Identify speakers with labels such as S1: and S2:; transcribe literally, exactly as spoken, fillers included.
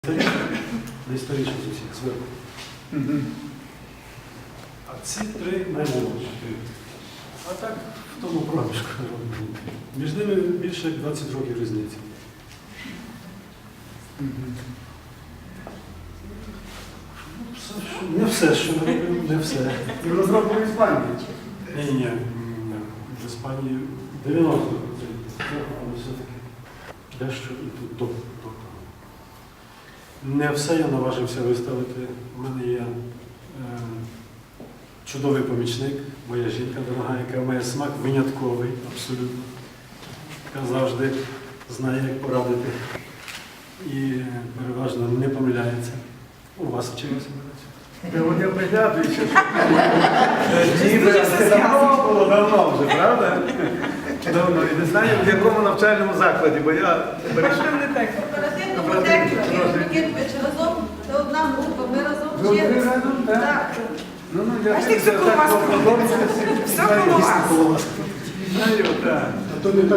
S1: Найстаріші з усіх зверху. А ці три наймолодші. А так в тому проміжку. Між ними більше як двадцять років різниці. Не все, що ми робимо, не все.
S2: І в розробку в Іспанії.
S1: Ні, ні, ні. В Іспанії дев'яносто відсотків, але все-таки дещо і тут до, до того. Не все я наважився виставити. У мене є е, чудовий помічник, моя жінка дорога, яка має смак винятковий, абсолютно. Яка завжди знає, як порадити. І переважно не помиляється. У вас вчилося.
S2: От я приглядую, що ніби це давно було, давно вже, правда? Давно. І не знаю, в якому навчальному закладі, бо я перейшов.
S3: Оперативному техніку, Микитович, разом, це одна група, ми разом
S2: Ви ви
S3: вчилися.
S2: разом, так?
S3: Так.
S2: Ну, ну, я
S4: Бачите,
S2: це
S4: все коло вас
S2: так
S4: крутиться.
S2: подобається.
S4: Все коло вас.
S2: Знаю, так.